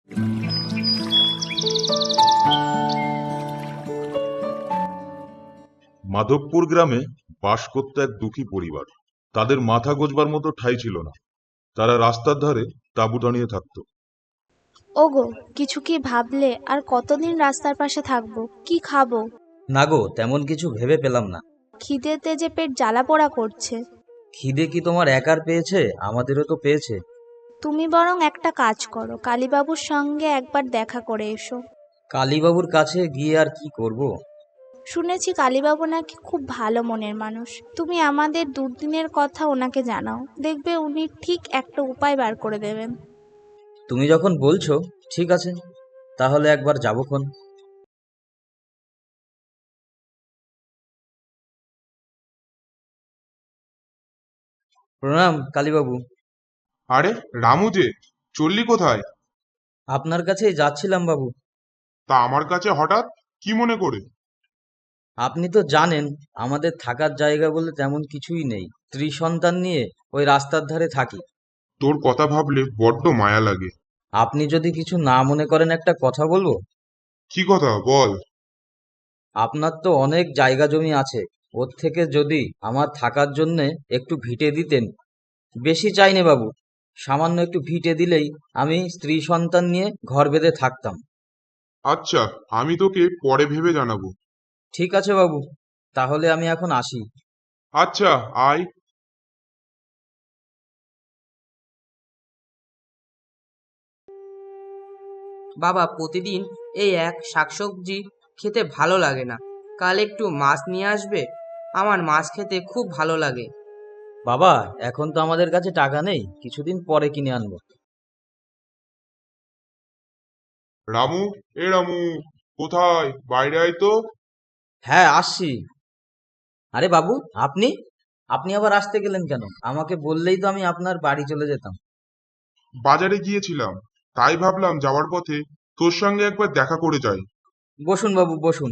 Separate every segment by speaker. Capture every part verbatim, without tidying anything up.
Speaker 1: মাধবপুর গ্রামে বাস করত এক দুঃখী পরিবার। তাদের মাথা গোঁজবার মতো ঠাঁই ছিল না। তারা রাস্তার ধারে তাঁবু টানিয়ে থাকতো।
Speaker 2: ওগো, কিছু কি ভাবলে? আর কতদিন রাস্তার পাশে থাকবো? কি খাবো?
Speaker 3: না গো, তেমন কিছু ভেবে পেলাম না।
Speaker 2: খিদেতে যে পেট জ্বালা পোড়া করছে।
Speaker 3: খিদে কি তোমার একার পেয়েছে? আমাদেরও তো পেয়েছে।
Speaker 2: তুমি বরং একটা কাজ করো, কালীবাবুর সঙ্গে একবার দেখা করে এসো।
Speaker 3: কালীবাবুর কাছে গিয়ে আর কি করব?
Speaker 2: শুনেছি কালীবাবু নাকি খুব ভালো মনের মানুষ। তুমি আমাদের দুর্দিনের কথা ওনাকে জানাও, দেখবে উনি ঠিক একটা উপায় বার করে দেবেন।
Speaker 3: তুমি যখন বলছো, ঠিক আছে, তাহলে একবার যাবক্ষণ। প্রণাম কালীবাবু।
Speaker 4: আরে রামু যে, চললি কোথায়?
Speaker 3: আপনার কাছেই যাচ্ছিলাম বাবু।
Speaker 4: তা আমার কাছে হঠাৎ, কি মনে করে?
Speaker 3: আপনি তো জানেন আমাদের থাকার জায়গা বলে তেমন কিছুই নেই। স্ত্রী সন্তান নিয়ে ওই রাস্তার ধারে থাকি।
Speaker 4: তোর কথা ভাবলে বড্ড মায়া লাগে।
Speaker 3: আপনি যদি কিছু না মনে করেন একটা কথা বলবো?
Speaker 4: কি কথা বল।
Speaker 3: আপনার তো অনেক জায়গা জমি আছে, ওর থেকে যদি আমার থাকার জন্যে একটু ভিটে দিতেন। বেশি চাইনে বাবু, সামান্য একটু ভিটে দিলেই আমি স্ত্রী সন্তান নিয়ে ঘর বেঁধে থাকতাম।
Speaker 4: আচ্ছা, আমি তোকে পরে ভেবে জানাবো।
Speaker 3: ঠিক আছে বাবু, তাহলে আমি এখন আসি।
Speaker 4: আচ্ছা, আয়।
Speaker 5: বাবা, প্রতিদিন এই এক শাকসবজি খেতে ভালো লাগে না। কাল একটু মাছ নিয়ে আসবে? আমার মাছ খেতে খুব ভালো লাগে।
Speaker 3: বাবা, এখন তো আমাদের কাছে টাকা নেই, কিছুদিন পরে কিনে আনবো।
Speaker 4: রামু, এ রামু, কোথায়? বাইরে আয় তো।
Speaker 3: হ্যাঁ, আসছি। আরে বাবু, আপনি আপনি আবার আসতে গেলেন কেন? আমাকে বললেই তো আমি আপনার বাড়ি চলে যেতাম।
Speaker 4: বাজারে গিয়েছিলাম, তাই ভাবলাম যাওয়ার পথে তোর সঙ্গে একবার দেখা করে যাই।
Speaker 3: বসুন বাবু, বসুন।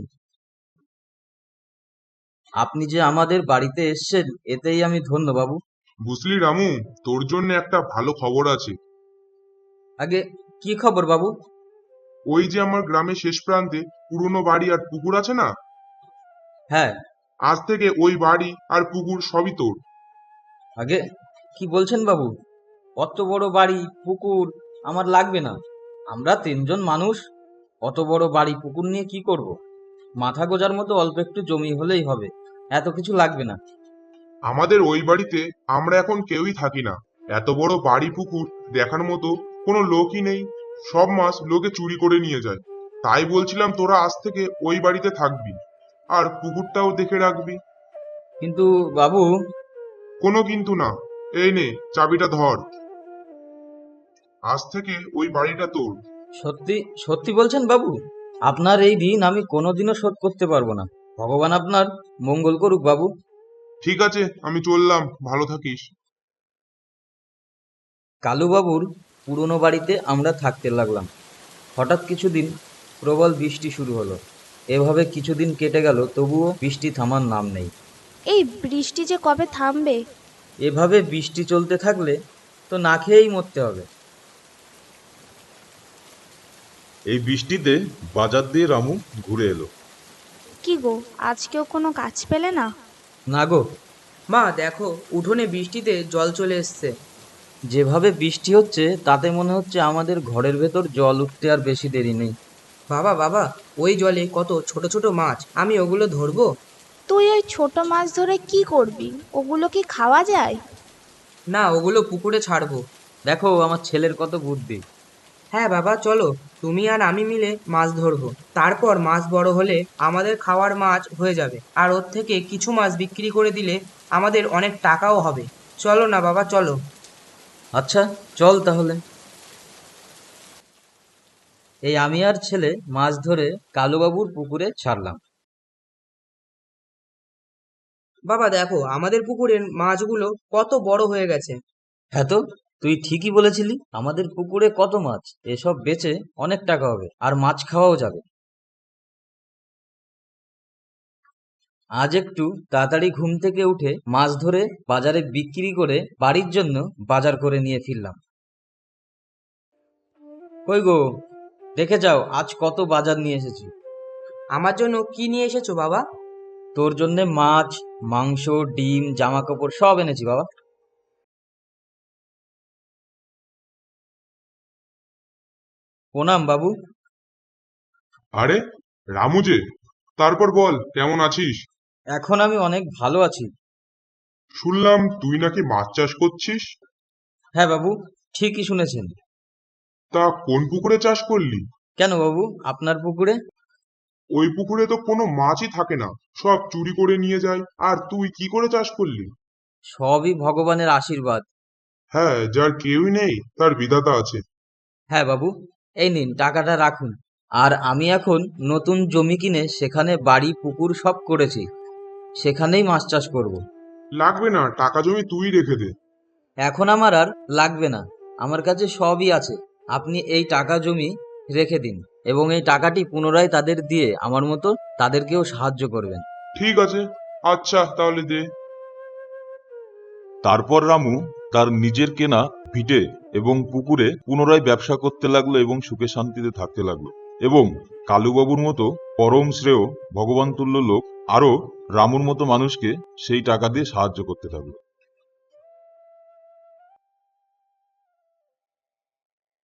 Speaker 3: আপনি যে আমাদের বাড়িতে এসেছেন, এতেই আমি ধন্য বাবু।
Speaker 4: বুঝলি রামু, তোর জন্য একটা ভালো খবর আছে।
Speaker 3: আগে কি খবর বাবু?
Speaker 4: ওই যে আমার গ্রামের শেষ প্রান্তে পুরনো বাড়ি আর পুকুর আছে না,
Speaker 3: হ্যাঁ।
Speaker 4: আজ থেকে ওই বাড়ি আর পুকুর সবই তোর।
Speaker 3: আগে কি বলছেন বাবু? অত বড় বাড়ি পুকুর আমার লাগবে না। আমরা তিনজন মানুষ, অত বড় বাড়ি পুকুর নিয়ে কি করব? মাথা গোজার মতো অল্প একটু জমি হলেই হবে, এত কিছু লাগবে না।
Speaker 4: আমাদের ওই বাড়িতে আমরা এখন কেউই থাকি না। এত বড় বাড়ি পুকুর দেখার মতো কোনো লোকই নেই। সব মাছ লোকে চুরি করে নিয়ে যায়। তাই বলছিলাম তোরা আজ থেকে ওই বাড়িতে থাকবি, আর পুকুরটাও দেখে রাখবি।
Speaker 3: কিন্তু বাবু।
Speaker 4: কোনো কিন্তু না। এই নে, চাবিটা ধর। আজ থেকে ওই বাড়িটা তোর।
Speaker 3: সত্যি সত্যি বলছেন বাবু? আপনার এই ঋণ আমি কোনোদিনও শোধ করতে পারবো না। ভগবান আপনার মঙ্গল করুক বাবু।
Speaker 4: ঠিক আছে, আমি চললাম, ভালো থাকিস।
Speaker 3: কালুবাবুর পুরনো বাড়িতে আমরা থাকতে লাগলাম। হঠাৎ কিছুদিন প্রবল বৃষ্টি শুরু হলো। এভাবে কিছুদিন কেটে গেল, তবুও বৃষ্টি থামার নাম নেই।
Speaker 2: এই বৃষ্টি যে কবে থামবে?
Speaker 3: এভাবে বৃষ্টি চলতে থাকলে তো না খেয়েই মরতে হবে।
Speaker 1: এই বৃষ্টিতে বাজার দিয়ে রামু ঘুরে এলো।
Speaker 2: কি গো, আজকেও কোনো কাজ পেলে না?
Speaker 3: না গো।
Speaker 5: মা দেখো, উঠোনে বৃষ্টিতে জল চলে এসছে।
Speaker 3: যেভাবে বৃষ্টি হচ্ছে তাতে মনে হচ্ছে আমাদের ঘরের ভেতর জল উঠতে আর বেশি দেরি নেই।
Speaker 5: বাবা বাবা, ওই জলে কত ছোট ছোট মাছ, আমি ওগুলো ধরবো?
Speaker 2: তুই ওই ছোট মাছ ধরে কি করবি? ওগুলো কি খাওয়া যায়?
Speaker 5: না, ওগুলো পুকুরে ছাড়বো।
Speaker 3: দেখো আমার ছেলের কত বুদ্ধি।
Speaker 5: হ্যাঁ বাবা, চলো, তুমি আর আমি মিলে মাছ ধরবো। তারপর মাছ বড় হলে আমাদের খাওয়ার মাছ হয়ে যাবে, আর ওর থেকে কিছু মাছ বিক্রি করে দিলে আমাদের অনেক টাকাও হবে। চলো না বাবা, চলো।
Speaker 3: আচ্ছা, চল তাহলে। এই আমি আর ছেলে মাছ ধরে কালুবাবুর পুকুরে ছাড়লাম।
Speaker 5: বাবা দেখো, আমাদের পুকুরের মাছগুলো কত বড় হয়ে গেছে।
Speaker 3: হ্যাঁ তো, তুই ঠিকই বলেছিলি, আমাদের পুকুরে কত মাছ। এসব বেচে অনেক টাকা হবে, আর মাছ খাওয়াও যাবে। আজ একটু তাড়াতাড়ি ঘুম থেকে উঠে মাছ ধরে বাজারে বিক্রি করে বাড়ির জন্য বাজার করে নিয়ে ফিরলাম। কই গো, দেখে যাও আজ কত বাজার নিয়ে এসেছি।
Speaker 5: আমার জন্য কি নিয়ে এসেছো বাবা?
Speaker 3: তোর জন্যে মাছ, মাংস, ডিম, জামা কাপড় সব এনেছি বাবা। প্রণাম বাবু।
Speaker 4: আরে রামু যে, তারপর বল কেমন আছিস?
Speaker 3: এখন আমি অনেক ভালো আছি।
Speaker 4: শুনলাম তুই নাকি মাছ চাষ করছিস।
Speaker 3: হ্যাঁ বাবু, ঠিকই শুনেছেন।
Speaker 4: তা কোন পুকুরে চাষ করলি?
Speaker 3: কেন বাবু, আপনার পুকুরে?
Speaker 4: ওই পুকুরে তো কোনো মাছই থাকে না, সব চুরি করে নিয়ে যায়। আর তুই কি করে চাষ করলি?
Speaker 3: সবই ভগবানের আশীর্বাদ।
Speaker 4: হ্যাঁ, যার কেউই নেই তার বিধাতা আছে।
Speaker 3: হ্যাঁ বাবু, এই নিন টাকাটা রাখুন। আর আমি এখন নতুন জমি কিনে সেখানে বাড়ি পুকুর সব করেছি, সেখানেই মাছ চাষ করব।
Speaker 4: লাগবে না, টাকা জমি তুই রেখে দে।
Speaker 3: এখন আমার আর লাগবে না, আমার কাছে সবই আছে। আপনি এই টাকা জমি রেখে দিন এবং এই টাকাটি পুনরায় তাদের দিয়ে আমার মতো তাদেরকেও সাহায্য করবেন।
Speaker 4: ঠিক আছে, আচ্ছা তাহলে দে।
Speaker 1: তারপর রামু তার নিজের কেনা ভিটে এবং পুকুরে পুনরায় ব্যবসা করতে লাগলো এবং সুখে শান্তিতে থাকতে লাগলো। এবং কালুবাবুর মতো পরম শ্রেয় ভগবান তুল্য লোক আরো রামুর মতো মানুষকে সেই টাকা দিয়ে সাহায্য করতে থাকলো।